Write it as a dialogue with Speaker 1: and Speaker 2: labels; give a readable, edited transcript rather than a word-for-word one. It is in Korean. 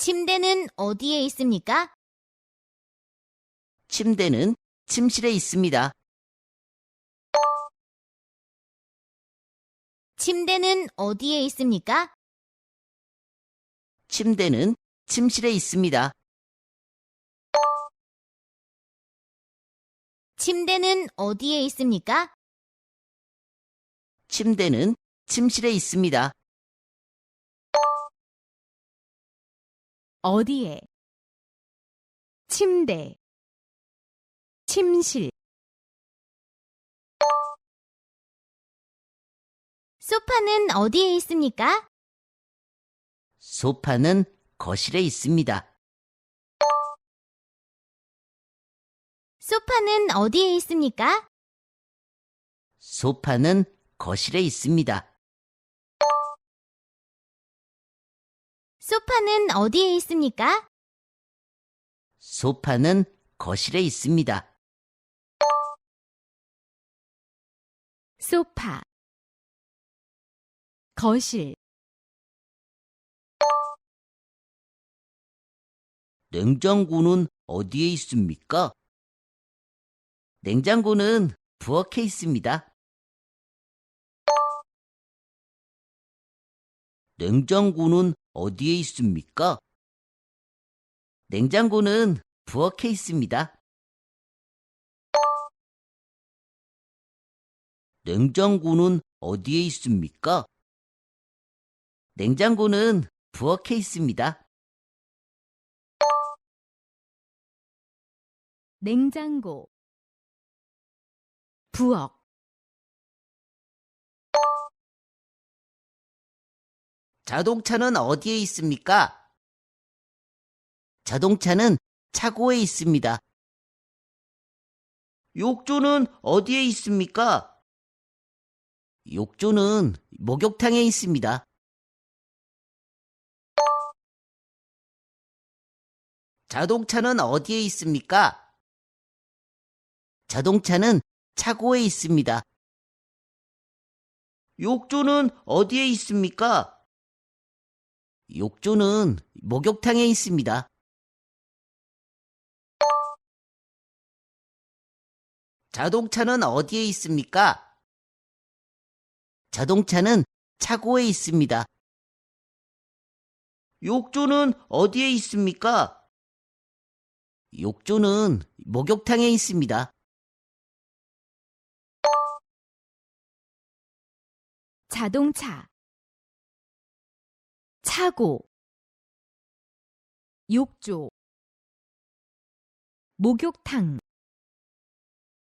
Speaker 1: 침대는 어디에 있습니까?
Speaker 2: 침대는 침실에 있습니다.
Speaker 1: 침대는 어디에 있습니까?
Speaker 2: 침대는 침실에 있습니다.
Speaker 1: 침대는 어디에 있습니까?
Speaker 2: 침대는 침실에 있습니다.
Speaker 3: 어디에, 침대, 침실,
Speaker 1: 소파는 어디에 있습니까?
Speaker 2: 소파는 거실에 있습니다.
Speaker 1: 소파는 어디에 있습니까?
Speaker 2: 소파는 거실에 있습니다.
Speaker 1: 소파는 어디에 있습니까?
Speaker 2: 소파는 거실에 있습니다.
Speaker 3: 소파, 거실,
Speaker 2: 냉장고는 어디에 있습니까? 냉장고는 부엌에 있습니다. 냉장고는 어디에 있습니까? 냉장고는 부엌에 있습니다. 냉장고는 어디에 있습니까? 냉장고는 부엌에 있습니다.
Speaker 3: 냉장고, 부엌,
Speaker 2: 자동차는 어디에 있습니까? 자동차는 차고에 있습니다. 욕조는 어디에 있습니까? 욕조는 목욕탕에 있습니다. 자동차는 어디에 있습니까? 자동차는 차고에 있습니다. 욕조는 어디에 있습니까? 욕조는 목욕탕에 있습니다. 자동차는 어디에 있습니까? 자동차는 차고에 있습니다. 욕조는 어디에 있습니까? 욕조는 목욕탕에 있습니다.
Speaker 3: 자동차, 차고, 욕조, 목욕탕.